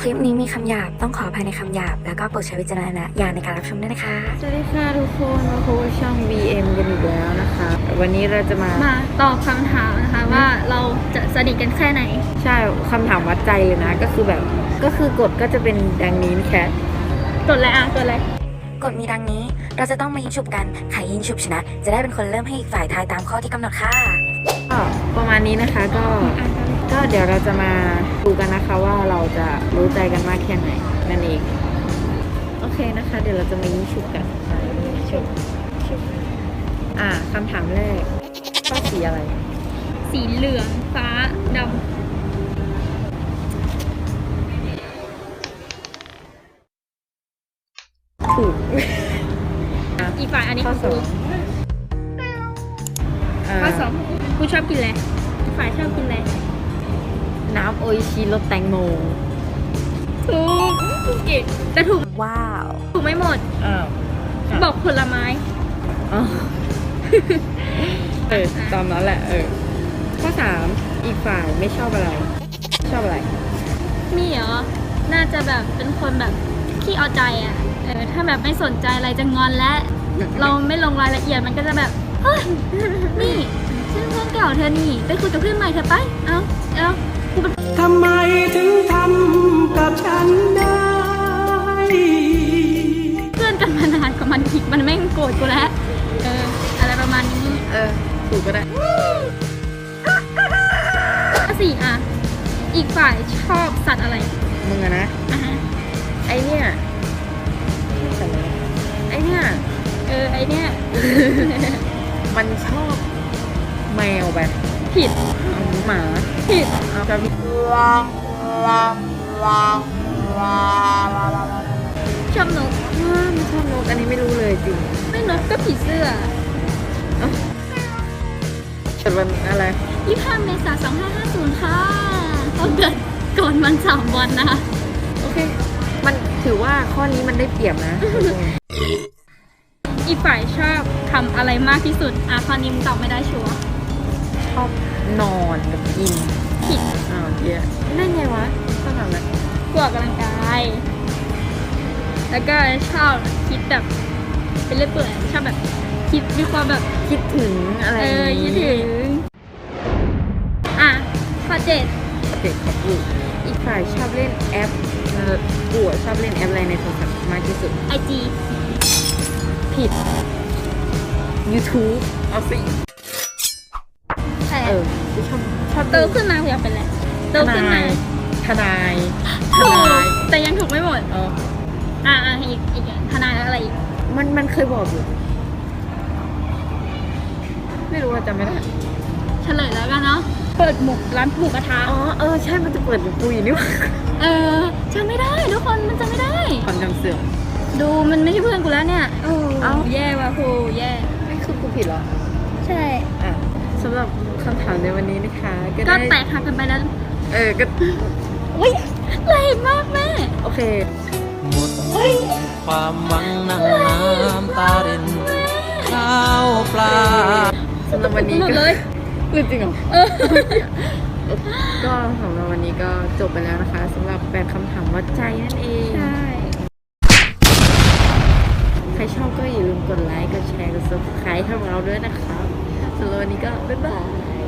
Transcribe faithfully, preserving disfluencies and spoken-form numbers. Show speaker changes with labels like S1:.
S1: คลิปนี้มีคำหยาบต้องขออภัยในคำหยาบแล้วก็โปรดใช้วิจารณญาณในการรับชมด้วยนะคะ
S2: สวัสดีค่ะทุกคนมาพบกับช่อง บี เอ็ม กันอีกแล้วนะคะวันนี้เราจะมา
S3: มาตอบคำถามนะคะว่าเราจะสนิทกันแค่ไหน
S2: ใช่คำถามวัดใจเลยนะก็คือแบบก็คือกฎก็จะเป็นดังนี้นะแคท
S3: กดอะไรอ่ะกดอะไร
S1: กฎมีดังนี้เราจะต้องมายิงฉุบกันใครยิงฉุบชนะจะได้เป็นคนเริ่มให้อีกฝ่ายทายตามข้อที่กำหนดค่ะ
S2: ก็ประมาณนี้นะคะก็ก็เดี๋ยวเราจะมาดูกันนะคะว่าเราจะรู้ใจกันมากแค่ไหนนั่นเองโอเคนะคะเดี๋ยวเราจะมายิงฉุบกันฉุบฉุบอ่าคำถามแรกชอบสีอะไร
S3: สีเหลืองฟ้าดำ
S2: ถูก
S3: อีกฝ่ายอันนี้คือกูข้อสองกูชอบกินอะไรอีกฝ่ายชอบกินอะไร
S2: น้ำโออิชิรสแตงโม
S3: ถูกถูกอีกแต่ถูก
S1: ว้าว
S3: ถูกไม่หมด
S2: อ้าว
S3: บอกผลไม้
S2: อ๋อเออตามนั้นแหละเออข้อสามอีกฝ่ายไม่ชอบอะไรชอบอะไร
S3: มีเหรอน่าจะแบบเป็นคนแบบขี้เอาใจอ่ะเออถ้าแบบไม่สนใจอะไรจะงอนและเราไม่ลงรายละเอียดมันก็จะแบบเฮ้ยนี่ฉันเพื่อนเก่าเธอนี่ไปคุยกับเพื่อนใหม่เธอไปเอ้าเอ้า
S4: ทำไมถึงทำกับฉันได้
S3: เพื่อนกันมานานกว่ามันอีกมันแม่งโกรธกูแล้วเอออะไรประมาณนี้
S2: เออถูกก็ได้
S3: ข้อสี่อ่ะอีกฝ่ายชอบสัตว์อะไร
S2: มึงอะนะ
S3: อ่ะฮะ
S2: ไอเนี่ยไอเนี่ย
S3: เออไอเนี่ย
S2: มันชอบแมวแบบ
S3: ผิด
S2: หมา
S3: ผิด
S2: เอาจะมี
S3: ชอบนก
S2: ไม่ชอบนกอันนี้ไม่รู้เลยจริง
S3: ไม่นกก็ผีเสื้อ
S2: เกิดวันอะไร
S3: ยี่สิบห้าเมษายนสองห้าห้าศูนย์ค่ะเขาเกิดก่อนมันสามวันนะคะ
S2: โอเคมันถือว่าข้อนี้มันได้เปรียบนะ
S3: อีกฝ่ายชอบทำอะไรมากที่สุดอ่ะข้อนี้มึงตอบไม่ได้ชัวร์
S2: ชอบนอนกับกิน
S3: ผิด
S2: อ้าวเยอะได้ไงวะชอบทำอะไร
S3: กลัวกำลังกายแล้วก็ชอบคิดแบบเป็นเรื่อยเปื่อยชอบแบบคิดมีความแบบ
S2: คิดถึงอะไร
S3: เออคิดถึงอ่ะข้อเจ็ด
S2: เจ็ดครับลูกอีกฝ่ายชอบเล่นแอปกูชอบเล่นแอปอะไรในโทรศัพท์มากที่สุด
S3: ไอ จี
S2: ผิด YouTube เอาสิเออชอบชอบ
S3: โตขึ้นมาอยากเป็นอะไรโตขึ้นมา
S2: ทนาย
S3: ถูกแต่ยังถูกไม่หมด
S2: อ๋อ
S3: อ่าอีกอีกทนายแล้วอะไรอีก
S2: มันมันเคยบอกอยู่ไม่รู้ว่าจำไม่ได้
S3: เฉลยแล้วกันเนาะเปิดหมูร้านหมูกระทะ
S2: อ๋อเออใช่มันจะเปิดหมูปุยนี่วะ
S3: เออจำไม่ได้ทุกคนมันจำไม่ได้
S2: ความจำเสื่อม
S3: ดูมันไม่ใช่เพื่อนกูแล้วเนี่ยโอ้แย่ว่ะครูแย่
S2: ไม่คือกูผิดเหรอ
S3: ใช่
S2: อ่ะสำหรับคำถามในวันนี้นะคะ
S3: ก็แตกหักกันไปแล้ว
S2: เออก็
S3: อุ้ยแรงมากแม่
S2: โอเค
S4: หมดความหวังนั่งน้ำตารินข้าวปลา
S2: สำหรับวันนี้
S3: ก็เลย
S2: จริงเหรอก็สำหรับวันนี้ก็จบไปแล้วนะคะสำหรับแปดคำถามวัดใจนั่นเอง
S3: ใช่
S2: ใครชอบก็อย่าลืมกดไลค์กดแชร์กด ซับสไครบ์ ให้เราด้วยนะคะสำหรับวันนี้ก็บ๊ายบาย